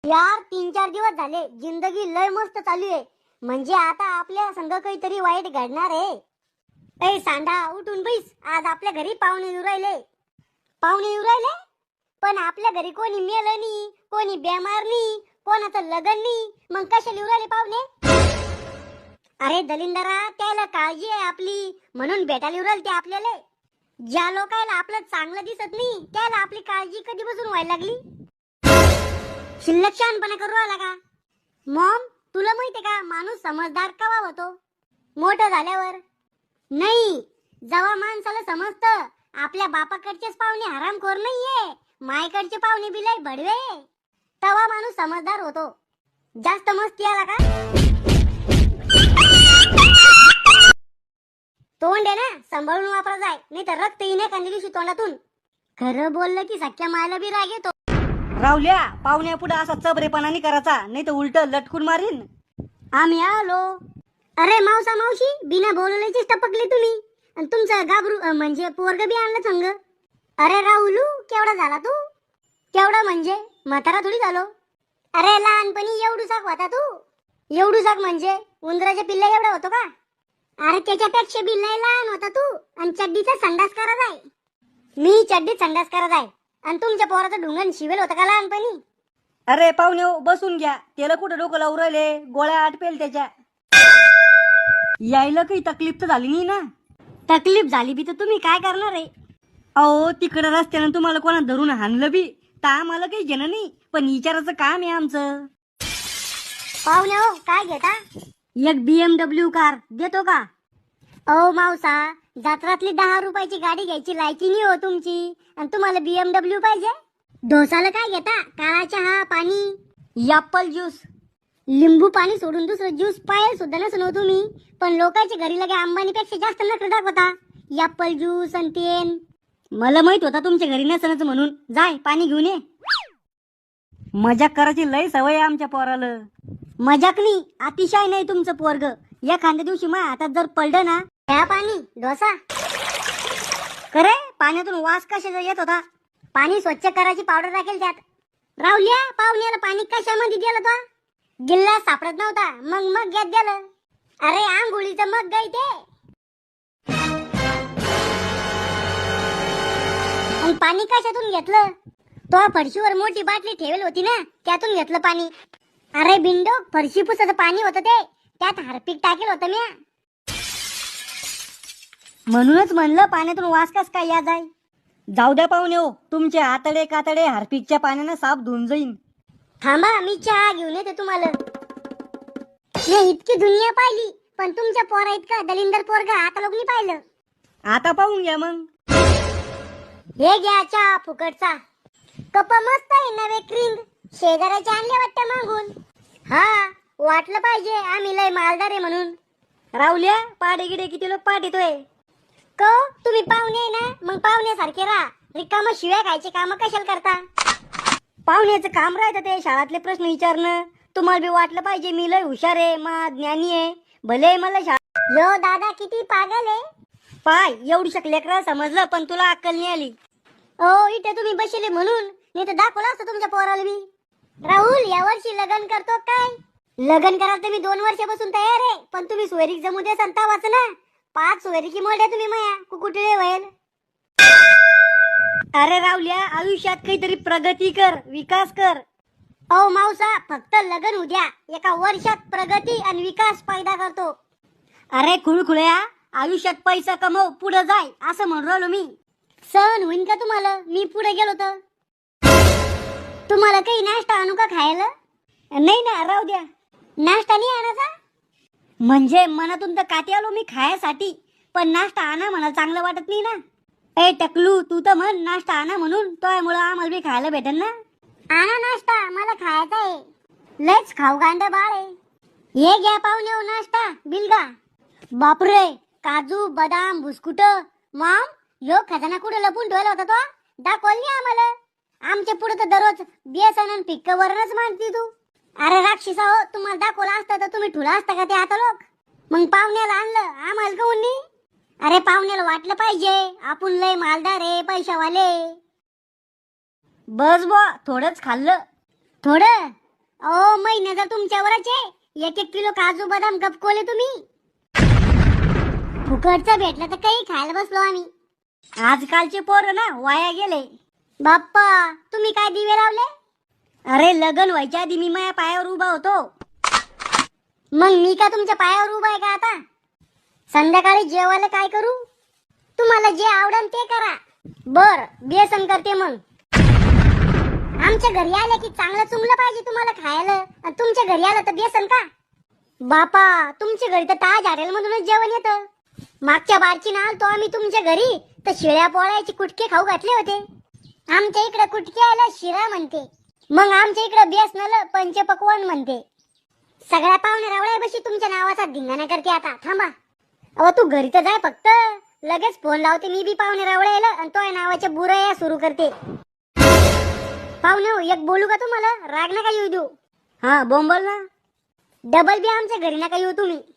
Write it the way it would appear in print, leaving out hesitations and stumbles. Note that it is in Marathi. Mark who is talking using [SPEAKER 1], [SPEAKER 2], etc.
[SPEAKER 1] यार 3-4 दिवस झाले जिंदगी लय मस्त चालू आहे. म्हणजे आता आपल्या संग काहीतरी वाईट घडणार आहे. ए सांडा उठून बैस, आज आपल्या घरी पाहुणे येऊ राहिले. पाहुणे येऊ राहिले पण आपल्या घरी कोणी मेलं नाही, कोणी बेमार नाही, कोणाचं लग्न नाही, मग कशाला येऊ राहिले पाहुणे? अरे दलिंदरा, त्याला काळजी आहे आपली म्हणून भेटायला येऊ राहिले ते आपल्याला. ज्या लोकांना आपलं चांगलं दिसत नाही त्याला आपली काळजी कधीपासून व्हायला लागली? शिल्लक शहाणपणा करू आला का? मॉम, तुला माहितीये का माणूस समजदार केव्हा होतो? मोठं झाल्यावर. नाही, जेव्हा माणसाला समजतं आपल्या बापाकडचेच पाहुणे हरामखोर नाहीये, मायकडचे पाहुणे बिलाय भडवे, तेव्हा माणूस समजदार होतो. जास्त मस्ती आला का? तोंड आहे ना, सांभाळून वापरा जाय, नाही तर रक्त येणे एखाद्या दिवशी तोंडातून. खरं बोललं की सख्या मायला बी राग येतो.
[SPEAKER 2] रावल्या, पाहुण्या पुढे असा चबरेपणा नाही करायचा, नाही तर उलट लटकून मारीन.
[SPEAKER 1] आम्ही आलो. अरे मावसा मावशी, बिना बोलवल्याचीच टपकले तुम्ही. आणि तुमचं गाबरू म्हणजे पोरग बी आणलं संग. अरे राहुलू, केवढा झाला तू? केवढा म्हणजे म्हातारा थोडी झालो. अरे लहानपणी एवढूसाक होता तू. एवढूसाक म्हणजे उंदराच्या पिल्ला एवढा होतो का? अरे त्याच्यापेक्षा बी लय लहान होता तू. आणि चड्डीचा संडास करत आहे. मी चड्डीत संडास करत आहे आणि तुमच्या पोराचं ढुंगण शिवेल होतं का लहानपणी?
[SPEAKER 2] अरे पाहुण्या बसून घ्या, त्याला कुठं डोकं लावून राहिले, गोळ्या आटपेल त्याच्या. यायला काही तकलीफ तर झाली नाही ना?
[SPEAKER 1] तकलीफ झाली बी तर तुम्ही काय करणार आहे?
[SPEAKER 2] अहो तिकडं रस्त्यानं तुम्हाला कोणा धरून हाणलं बी तर आम्हाला काही घेणं नाही, पण विचारायचं काम आहे आमचं.
[SPEAKER 1] पाहुणे हो, काय घेता?
[SPEAKER 2] एक BMW कार देतो का?
[SPEAKER 1] ओ मावसा, जत्रातली 10 रुपयाची गाडी घ्यायची लायकी नाही हो तुमची, आणि तुम्हाला BMW पाहिजे? डोसाला काय घेता? काळा चहा, पाणी,
[SPEAKER 2] ॲपल ज्यूस.
[SPEAKER 1] लिंबू पाणी सोडून दुसरं ज्यूस पायल सुद्धा नसून हो तुम्ही. पण लोकांच्या घरी लगे अंबानीपेक्षा जास्त नखरे दाखवता. ॲपल ज्यूस आणि तेन.
[SPEAKER 2] मला माहित होता तुमच्या घरी नसनच म्हणून. जाय पाणी घेऊन ये. मजाक करायची लय सवय आहे आमच्या पोराला.
[SPEAKER 1] मजाक नाही, अतिशय नाही तुमचं पोरग. एखाद्या दिवशी मा हातात जर पडलं ना, त्या पाणी डोसा.
[SPEAKER 2] खरे पाण्यातून वास कशाचा येत होता?
[SPEAKER 1] पाणी स्वच्छ करायची पावडर टाकेल त्यात. राहुल्या, पाहुण्याला पाणी कशामध्ये दिलं तो? गिल्ला सापडत नव्हता, मग घेत दिलं. अरे आंघोळीचं मग गाय ते. आणि पाणी कशातून घेतलं? तो फरशीवर मोठी बाटली ठेवली होती ना, त्यातून घेतलं पाणी. अरे बिंडो, फरशी पुसाचं पाणी होतं ते, त्यात हार्पिक टाकेल होतं म्या.
[SPEAKER 2] म्हणूनच म्हणलं पाण्यातून वास कस काय या जाय. जाऊ द्या पाहुणे हो, तुमचे आतडे कातडे हार्पिकच्या पाण्यानं साफ धुवून जाईन.
[SPEAKER 1] थांबा, मी चहा घेऊन येते तुम्हाला. मी इतकी दुनिया पाहिली, पण तुमच्या पोरा इतका दलिंदर पोरगा आता लोक नाही पाहिलं.
[SPEAKER 2] आता पाहून घ्या मग.
[SPEAKER 1] हे घ्या चहा फुकटचा. कप मस्त आहे नवे क्रीम, शेजाऱ्याचे आणले वाटतं मागून. हा, वाटलं पाहिजे आम्ही लय मालदार आहे म्हणून.
[SPEAKER 2] रावल्या, पाडे गिडे किती लोक पाठवतोय.
[SPEAKER 1] को तुम्ही पाहुणे आहे ना, मग पाहुण्यासारखे राहा. रिकाम शिव्या खायचे काम कशाला करता?
[SPEAKER 2] पाहुण्याचं काम राहतं ते शाळातले प्रश्न विचारणं. तुम्हाला बी वाटलं पाहिजे मी लय हुशार आहे, मा ज्ञानी आहे. भले मला
[SPEAKER 1] यो दादा किती पागल आहे.
[SPEAKER 2] पाय एवढी लेकरं समजलं, पण तुला अक्कल नाही आली.
[SPEAKER 1] ओ इथे तुम्ही बसले म्हणून, नाही तर दाखवलं असतं तुमच्या पोराला मी. राहुल, यावर्षी लग्न करतो काय? लग्न करायला तर मी 2 वर्षापासून तयार आहे, पण तुम्ही सोयरीक जमू दे संता वाच ना. 5 सोयरीकी मोठ्या तुम्ही माया कुकुटळे व्हायल.
[SPEAKER 2] अरे रावल्या, आयुष्यात काहीतरी प्रगती कर, विकास कर.
[SPEAKER 1] ओ मावसा, फक्त लग्न उद्या, एका वर्षात प्रगती आणि विकास पैदा करतो.
[SPEAKER 2] अरे खुळखुळ्या, आयुष्यात पैसा कमव, पुढे जाय, असं म्हणून राहिलो मी.
[SPEAKER 1] सहन होईन का तुम्हाला मी पुढे गेलो तर? तुम्हाला काही नाश्ता आणू का खायला?
[SPEAKER 2] नाही ना, राहू द्या.
[SPEAKER 1] नाश्ता नाही आणायचा?
[SPEAKER 2] म्हणजे मनातून तर काठी आलो मी खायसाठी, पण नाश्ता आणा मला चांगलं वाटत नाही ना. ए टकलू, तू तर म्हण नाश्ता आणा म्हणून, त्यामुळं आम्हाला बी खायला भेटेल ना.
[SPEAKER 1] आणा नाश्ता, मला खायचा आहे. लयच खाऊ गांड बाळ आहे. हे घ्या पाहुणे हो नाश्ता, बिलगा. बापरे, काजू बदाम बिस्कुट. मॉम, यो खजाना कुठे लपून ठेवला होता तो? दाखवल नाही आम्हाला. आमच्या पुढे तर दररोज बेसन आणि पिक्क वरणच मानती तू. अरे राक्षसा हो, तुम्हाला दाखवला असतं तर तुम्ही ठुला असता का ते आता लोक? मग पाहुण्याला आणलं, आम्हाला काऊन नाही? अरे पाहुण्याला वाटलं पाहिजे आपण लय मालदार आहे, पैशावाले.
[SPEAKER 2] बस बा, थोडंच खाल्लं.
[SPEAKER 1] थोडं ओ महिना जर तुमच्यावरच आहे. 1-1 किलो काजू बदाम गपकोले तुम्ही. फुकटचं भेटलं तर काही खायला बसलो आम्ही.
[SPEAKER 2] आजकालचे पोरं ना वाया गेले.
[SPEAKER 1] बाप्पा तुम्ही काय दिवे लावले?
[SPEAKER 2] अरे लग्न व्हायच्या आधी मी माझ्या पायावर उभा होतो.
[SPEAKER 1] मग मी का तुमच्या पायावर उभा आहे का आता? संध्याकाळी जेवायला काय करू? तुम्हाला जे आवडेल ते करा. बर बेसन करते मग. आमच्या घरी आले की चांगलं चुंगलं पाहिजे तुम्हाला खायला, आणि तुमच्या घरी आलं तर बेसन का? बापा तुमच्या घरी तर ताज हॉटेल मधूनच जेवण येतं. मागच्या बारची ना आलतो आम्ही तुमच्या घरी तर शिळ्या पोळ्याचे कुटके खाऊ घातले होते. आमच्या इकडे कुटके आला शिरा म्हणते, मग आमच्या इकडे बेसनाला पंचपक्वान्न म्हणते. सगळ्या पाहुणे रावळ्या बशी तुमच्या नावाचा धिंगाणा करते आता. थांबा अहो तू घरी तर जाय फक्त, लगेच फोन लावते मी बी पाहुणे रावळ्याला आणि तो नावाच्या बुराया सुरू करते. पाहुणे हो, एक बोलू का तुम्हाला? राग नका येऊ देऊ.
[SPEAKER 2] हा बोंबल ना.
[SPEAKER 1] डबल बी आमच्या घरी नका येऊ तुम्ही.